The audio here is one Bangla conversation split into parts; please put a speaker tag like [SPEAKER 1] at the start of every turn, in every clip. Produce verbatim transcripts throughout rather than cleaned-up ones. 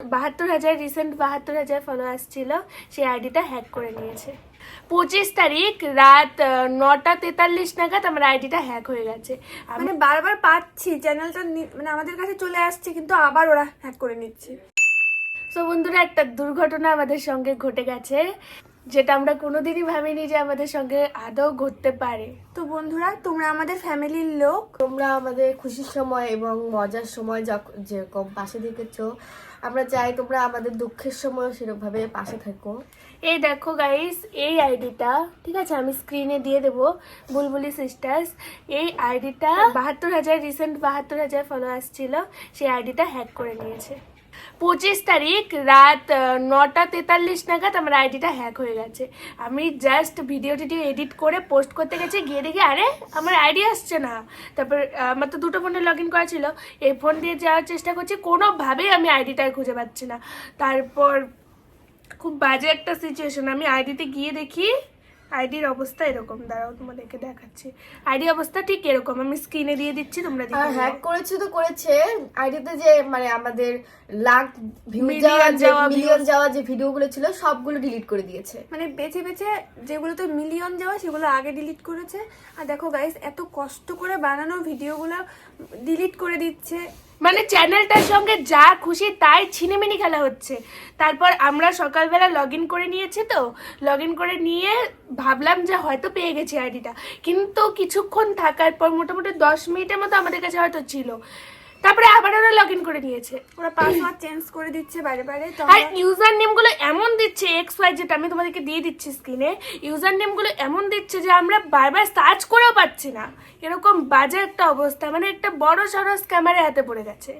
[SPEAKER 1] বাহাত্তর হাজার রিসেন্ট বাহাত্তর হাজার ফলোয়ার্স ছিল, সেই আইডিটা হ্যাক করে নিয়েছে। পঁচিশ তারিখ রাত নটা তেতাল্লিশ নাগাদ আমার আইডিটা হ্যাক হয়ে গেছে।
[SPEAKER 2] মানে বারবার পাচ্ছি চ্যানেলটা মানে আমাদের কাছে চলে আসছে, কিন্তু আবার ওরা হ্যাক করে নিচ্ছে।
[SPEAKER 1] সো বন্ধুরা, একটা দুর্ঘটনা আমাদের সঙ্গে ঘটে গেছে, যেটা আমরা কোনোদিনই ভাবিনি যে আমাদের সঙ্গে আদৌ ঘটতে পারে।
[SPEAKER 2] তো বন্ধুরা, তোমরা আমাদের ফ্যামিলির লোক,
[SPEAKER 3] তোমরা আমাদের খুশির সময় এবং মজার সময় যখন যেরকম পাশে থেকেছো, আমরা চাই তোমরা আমাদের দুঃখের সময় সেরকমভাবে পাশে থাকো।
[SPEAKER 1] এই দেখো গাইস, এই আইডিটা ঠিক আছে, আমি স্ক্রিনে দিয়ে দেবো, বুলবুলি সিস্টার্স। এই আইডিটা বাহাত্তর হাজার রিসেন্ট বাহাত্তর হাজার ফলোয়ার্স ছিল, সেই আইডিটা হ্যাক করে নিয়েছে। পঁচিশ তারিখ রাত নটা তেতাল্লিশ নাগাদ আমার আইডিটা হ্যাক হয়ে গেছে। আমি জাস্ট ভিডিও টিডিও এডিট করে পোস্ট করতে গেছি, গিয়ে দেখি আরে আমার আইডি আসছে না। তারপর আমার তো দুটো ফোনে লগ ইন করা ছিল, এই ফোন দিয়ে যাওয়ার চেষ্টা করছি, কোনোভাবেই আমি আইডিটাই খুঁজে পাচ্ছি না। তারপর খুব বাজে একটা সিচুয়েশন, আমি আইডিতে গিয়ে দেখি আইডির অবস্থা এরকম। দাঁড়াও তোমাদেরকে দেখাচ্ছি, আইডি অবস্থা ঠিক এরকম, আমি স্ক্রিনে দিয়ে দিচ্ছি, তোমরা
[SPEAKER 3] আর
[SPEAKER 1] দেখে
[SPEAKER 3] হ্যাক করেছে তো করেছে, আইডিতে যে মানে আমাদের লাখ ভিউ
[SPEAKER 1] Million
[SPEAKER 3] যাওয়া
[SPEAKER 1] যাওয়া
[SPEAKER 3] মিলিয়ন যাওয়া যে ভিডিওগুলো ছিল সবগুলো ডিলিট করে দিয়েছে।
[SPEAKER 2] মানে বেছে বেছে যেগুলোতে মিলিয়ন যাওয়া সেগুলো আগে ডিলিট করেছে। আর দেখো গাইস, এত কষ্ট করে বানানো ভিডিওগুলো ডিলিট করে দিচ্ছে।
[SPEAKER 1] মানে চ্যানেলটার সঙ্গে যা খুশি তাই ছিনিমিনি খেলা হচ্ছে। তারপর আমরা সকালবেলা লগ ইন করে নিয়েছি, তো লগ ইন করে নিয়ে ভাবলাম যে হয়তো পেয়ে গেছি আইডিটা, কিন্তু কিছুক্ষণ থাকার পর মোটামুটি দশ মিনিটের মতো আমাদের কাছে হয়তো ছিল, তারপরে আবার ওরা লগ ইন করে নিয়েছে।
[SPEAKER 2] ওরা পাসওয়ার্ড চেঞ্জ করে দিচ্ছে বারে বারে। তো
[SPEAKER 1] আর ইউজার নেমগুলো এমন দিচ্ছে, এক্স ওয়াই, যেটা আমি তোমাদেরকে দিয়ে দিচ্ছি স্ক্রিনে, ইউজার নেমগুলো এমন দিচ্ছে যে আমরা বারবার সার্চ করেও পাচ্ছি না। এরকম বাজে একটা অবস্থা, মানে একটা বড় সড়ো স্ক্যামারের হাতে পড়ে গেছে,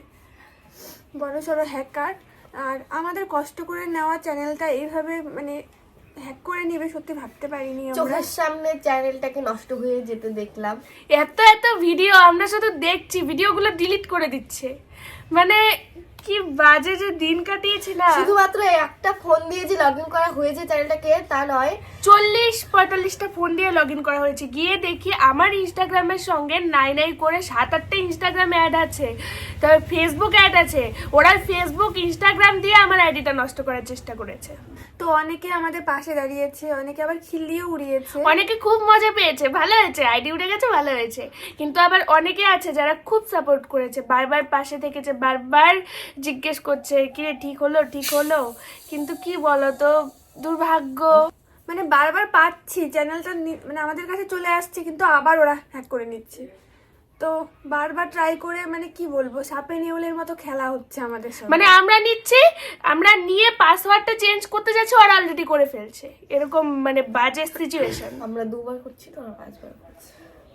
[SPEAKER 2] বড় সড়ো হ্যাকার। আর আমাদের কষ্ট করে নেওয়া চ্যানেলটা এইভাবে মানে হ্যাক করে নেবে সত্যি ভাবতে পারিনি আমরা।
[SPEAKER 3] চোখের সামনে চ্যানেলটাকে নষ্ট হয়ে যেতে দেখলাম।
[SPEAKER 1] এত এত ভিডিও আমরা শুধু দেখছি, ভিডিওগুলো ডিলিট করে দিচ্ছে। মানে কি বাজে যে দিন কাটিয়েছি না।
[SPEAKER 3] শুধুমাত্র একটা ফোন দিয়ে যে লগ ইন করা হয়েছে চ্যানেলটাকে তা নয়,
[SPEAKER 1] চল্লিশ পঁয়তাল্লিশটা ফোন দিয়ে লগ ইন করা হয়েছে। গিয়ে দেখি আমার ইনস্টাগ্রামের সঙ্গে নাই নাই করে সাত আটটা ইনস্টাগ্রাম অ্যাড আছে, তবে ফেসবুক অ্যাড আছে। ওরা ফেসবুক ইনস্টাগ্রাম দিয়ে আমার আইডিটা নষ্ট করার চেষ্টা করেছে।
[SPEAKER 2] তো অনেকে আমাদের পাশে দাঁড়িয়েছে, অনেকে আবার খিল্লিও উড়িয়েছে।
[SPEAKER 1] অনেকে খুব মজা পেয়েছে, ভালো হয়েছে, আইডি উঠে গেছে, ভালো হয়েছে। কিন্তু আবার অনেকে আছে যারা খুব সাপোর্ট করেছে, বারবার পাশে থেকেছে, বারবার জিজ্ঞেস করছে কিরে ঠিক হলো ঠিক হলো। কিন্তু কি বলতো, দুর্ভাগ্য।
[SPEAKER 2] মানে বারবার পাচ্ছি চ্যানেলটা মানে আমাদের কাছে চলে আসছে, কিন্তু আবার ওরা হ্যাক করে নিচ্ছে। তো বারবার ট্রাই করে মানে কি বলবো, সাপে নেউলের মতো খেলা হচ্ছে আমাদের সাথে।
[SPEAKER 1] মানে আমরা নিচ্ছি, আমরা নিয়ে পাসওয়ার্ডটা চেঞ্জ করতে যাচ্ছি, ওরা অলরেডি করে ফেলছে। এরকম মানে বাজে সিচুয়েশন।
[SPEAKER 3] আমরা দুবার করছি তো ওরা পাঁচবার করছে।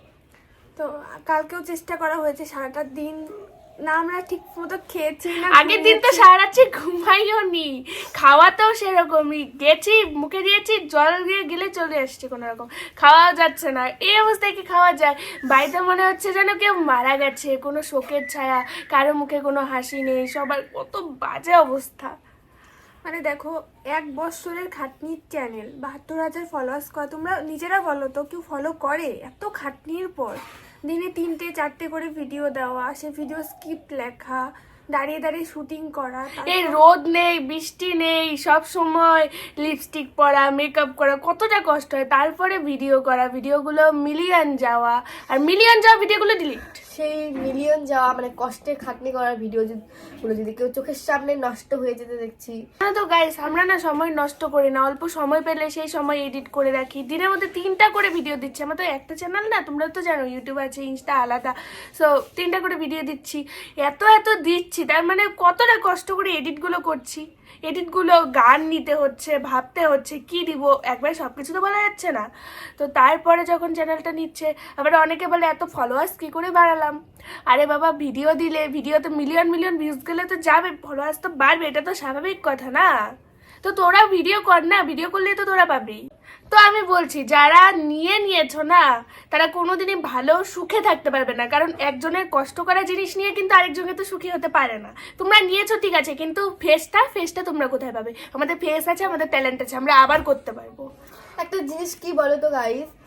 [SPEAKER 2] তো কালকেও চেষ্টা করা হয়েছে, সারাটা দিন না আমরা ঠিক মতো খেয়েছি না।
[SPEAKER 1] আগের দিন তো সারা রাত্রি ঘুমাইও নি, খাওয়াতেও সেরকমই, গেছি মুখে দিয়েছি, জল দিয়ে গেলে চলে আসছে, কোনো রকম খাওয়াও যাচ্ছে না। এই অবস্থায় কি খাওয়া যায়? বাড়িতে মনে হচ্ছে যেন কেউ মারা গেছে, কোনো শোকের ছায়া, কারো মুখে কোনো হাসি নেই, সবার কত বাজে অবস্থা।
[SPEAKER 2] মানে দেখো, এক বছরের খাটনির চ্যানেল, বাহাত্তর হাজার ফলোয়ার্স করা, তোমরা নিজেরা বলো তো কেউ ফলো করে? এত খাটনির পর দিনে তিনটে চারটে করে ভিডিও দেওয়া, সে ভিডিও স্ক্রিপ্ট লেখা, দাঁড়িয়ে দাঁড়িয়ে শুটিং করা,
[SPEAKER 1] এই রোদ নেই বৃষ্টি নেই, সব সময় লিপস্টিক পরা, মেকআপ করা, কতটা কষ্ট হয়। তারপরে ভিডিও করা, ভিডিওগুলো মিলিয়ন যাওয়া, আর মিলিয়ন যাওয়া ভিডিওগুলো ডিলিট।
[SPEAKER 3] সেই মিলিয়ন যাওয়া মানে কষ্টের খাটনি করার ভিডিও গুলো যদি কেউ চোখের সামনে নষ্ট হয়ে যেতে দেখছি।
[SPEAKER 1] না তো গাইস, আমরা না সময় নষ্ট করি না, অল্প সময় পেলে সেই সময় এডিট করে রাখি। দিনের মধ্যে তিনটা করে ভিডিও দিচ্ছি, আমার তো একটা চ্যানেল না, তোমরা তো জানো ইউটিউব আছে, ইনস্টা আলাদা। সো তিনটা করে ভিডিও দিচ্ছি, এত এত দিচ্ছি, তার মানে কতটা কষ্ট করে এডিটগুলো করছি। এডিটগুলো গান নিতে হচ্ছে, ভাবতে হচ্ছে কি দিব, একবার সব কিছু তো বলা যাচ্ছে না। তো তারপরে যখন চ্যানেলটা নিচ্ছে, আবার অনেকে বলে এত ফলোয়ার্স কী করে বাড়ালাম। আরে বাবা, ভিডিও দিলে, ভিডিও তো মিলিয়ন মিলিয়ন ভিউজ গেলে তো যাবে, ফলোয়ার্স তো বাড়বে, এটা তো স্বাভাবিক কথা না? তো তোরা ভিডিও কর না, ভিডিও করলে তো তোরা পাবি। তো আমি বলছি, যারা নিয়ে নিয়েছো না, তারা কোনোদিনই ভালো সুখে থাকতে পারবে না, কারণ একজনের কষ্ট করা জিনিস নিয়ে কিন্তু আরেকজনের তো সুখী হতে পারে না। তোমরা নিয়েছো ঠিক আছে, কিন্তু ফেসটা ফেসটা তোমরা কোথায় পাবে? আমাদের ফেস আছে, আমাদের ট্যালেন্ট আছে, আমরা আবার করতে পারবো।
[SPEAKER 3] একটা জিনিস কি বলো তো গাইস,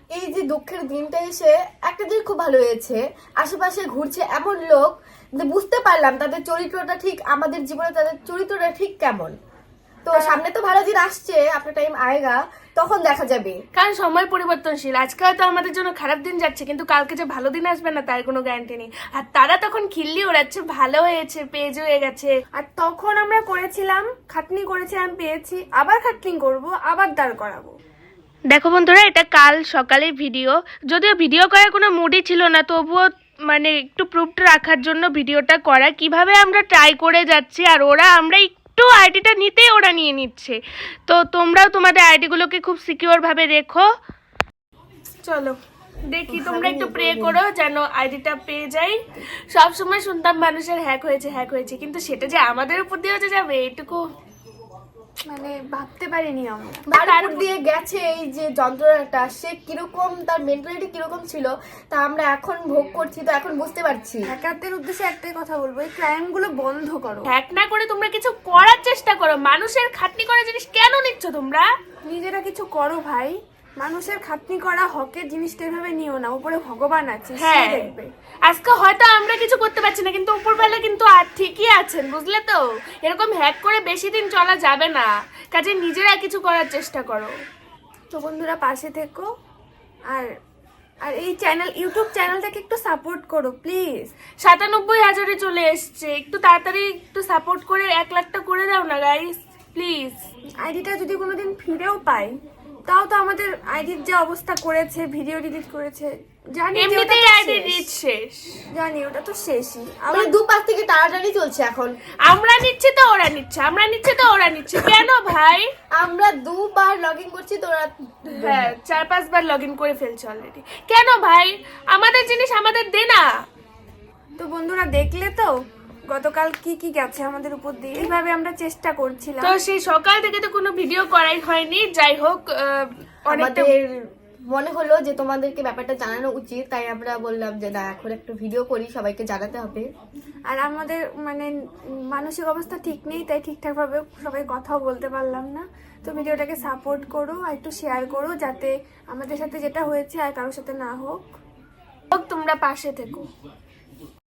[SPEAKER 3] এই যে দুঃখের দিনটা এসে একটা জিনিস খুব ভালো হয়েছে, আশেপাশে ঘুরছে এমন লোক যে বুঝতে পারলাম তাদের চরিত্রটা ঠিক আমাদের জীবনে তাদের চরিত্রটা ঠিক কেমন। তো সামনে তো ভালো দিন আসছে, আপনার টাইম আয়েগা, তখন দেখা যাবে।
[SPEAKER 1] কারণ সময় পরিবর্তনশীল, আজকে হয়তো আমাদের জন্য খারাপ দিন যাচ্ছে কিন্তু কালকে যে ভালো দিন আসবে না তার কোনো গ্যারান্টি নেই। আর তারা তখন খিল্লি ওড়াচ্ছে ভালো হয়েছে পেজ হয়ে গেছে।
[SPEAKER 2] আর তখন আমরা করেছিলাম, খাটনি করেছিলাম, পেয়েছি, আবার খাটনি করব, আবার দাঁড় করাবো।
[SPEAKER 1] দেখো বন্ধুরা, এটা কাল সকালের ভিডিও, যদিও ভিডিও করার কোনো মুডই ছিল না, তবুও মানে একটু প্রুফটা রাখার জন্য ভিডিওটা করা, কিভাবে আমরা ট্রাই করে যাচ্ছি আর ওরা আমরা একটু আইডিটা নিতেই ওরা নিয়ে নিচ্ছে। তো তোমরাও তোমাদের আইডিগুলোকে খুব সিকিউর ভাবে রেখো। চলো দেখি, তোমরা একটু প্রে করো যেন আইডিটা পেয়ে যাই। সব সময় শুনতাম মানুষের হ্যাক হয়েছে হ্যাক হয়েছে, কিন্তু সেটা যে আমাদের উপর দিয়েও যে যাবে এটুকু
[SPEAKER 2] মানে ভাবতে পারিনি আমরা।
[SPEAKER 3] তার উপর দিয়ে গেছে এই যে যন্ত্রণাটা, সে কিরকম, তার মেন্টালিটি কিরকম ছিল তা আমরা এখন ভোগ করছি, তো এখন বুঝতে পারছি।
[SPEAKER 2] হ্যাকারদের উদ্দেশ্যে একটাই কথা বলবো, এই ক্রাইম গুলো বন্ধ করো।
[SPEAKER 1] হ্যাক না করে তোমরা কিছু করার চেষ্টা করো। মানুষের খাটনি করা জিনিস কেন নিচ্ছ তোমরা?
[SPEAKER 2] নিজেরা কিছু করো ভাই। মানুষের খাটনি করা হকের জিনিসটা এভাবে নিও না, উপরে ভগবান আছে, সে
[SPEAKER 1] হ্যাঁ,
[SPEAKER 2] দেখবে।
[SPEAKER 1] আজকে হয়তো আমরা কিছু করতে পারছি না কিন্তু উপরবেলা কিন্তু আর ঠিকই আছেন, বুঝলে তো? এরকম হ্যাক করে বেশি দিন চলা যাবে না, কাজে নিজেরা কিছু করার চেষ্টা করো।
[SPEAKER 2] তো বন্ধুরা পাশে থেকো, আর আর এই চ্যানেল, ইউটিউব চ্যানেলটাকে একটু সাপোর্ট করো প্লিজ।
[SPEAKER 1] সাতানব্বই হাজারে চলে এসছে, একটু তাড়াতাড়ি একটু সাপোর্ট করে এক লাখটা করে দাও না গাইস প্লিজ।
[SPEAKER 2] আইডিটা যদি কোনোদিন ফিরেও পাই, তাও তো আমাদের আইডির যে অবস্থা করেছে, ভিডিও ডিলিট করেছে, জানি যে ওটা
[SPEAKER 1] এমনিতেই
[SPEAKER 2] তো
[SPEAKER 1] আইডি
[SPEAKER 2] শেষ।
[SPEAKER 1] রিচ শেষ,
[SPEAKER 2] জানি ওটা তো শেষই।
[SPEAKER 3] মানে
[SPEAKER 2] আবার
[SPEAKER 3] দু পাশ থেকে টানাটানি চলছে এখন।
[SPEAKER 1] আমরা নিচ্ছি তো ওরা নিচ্ছে, আমরা নিচ্ছি তো ওরা নিচ্ছে, কেন ভাই?
[SPEAKER 3] আমরা দুবার লগ ইন করছি, তোরা
[SPEAKER 1] হ্যাঁ, চার পাঁচবার লগ ইন করে ফেলছে অলরেডি, কেন ভাই? আমাদের জিনিস আমাদের দে না।
[SPEAKER 2] তো বন্ধুরা দেখলে তো গতকাল কি কি গেছে আমাদের উপর দিয়ে, এইভাবে আমরা চেষ্টা করছিলাম।
[SPEAKER 1] তো সেই সকাল থেকে তো কোনো ভিডিও করাই হয়নি। যাই হোক, আহ, অনেকটা
[SPEAKER 3] আমাদের মনে হলো যে তোমাদেরকে ব্যাপারটা জানানো উচিত, তাই আমরা বললাম যে না, এখন একটু ভিডিও করি, সবাইকে জানাতে হবে।
[SPEAKER 2] আর আমাদের মানে মানসিক অবস্থা ঠিক নেই, তাই ঠিকঠাক ভাবে সবাই কথাও বলতে পারলাম না। তো ভিডিওটাকে সাপোর্ট করো আর একটু শেয়ার করো, যাতে আমাদের সাথে যেটা হয়েছে আর কারোর সাথে না হোক।
[SPEAKER 1] তোমরা পাশে থেকো।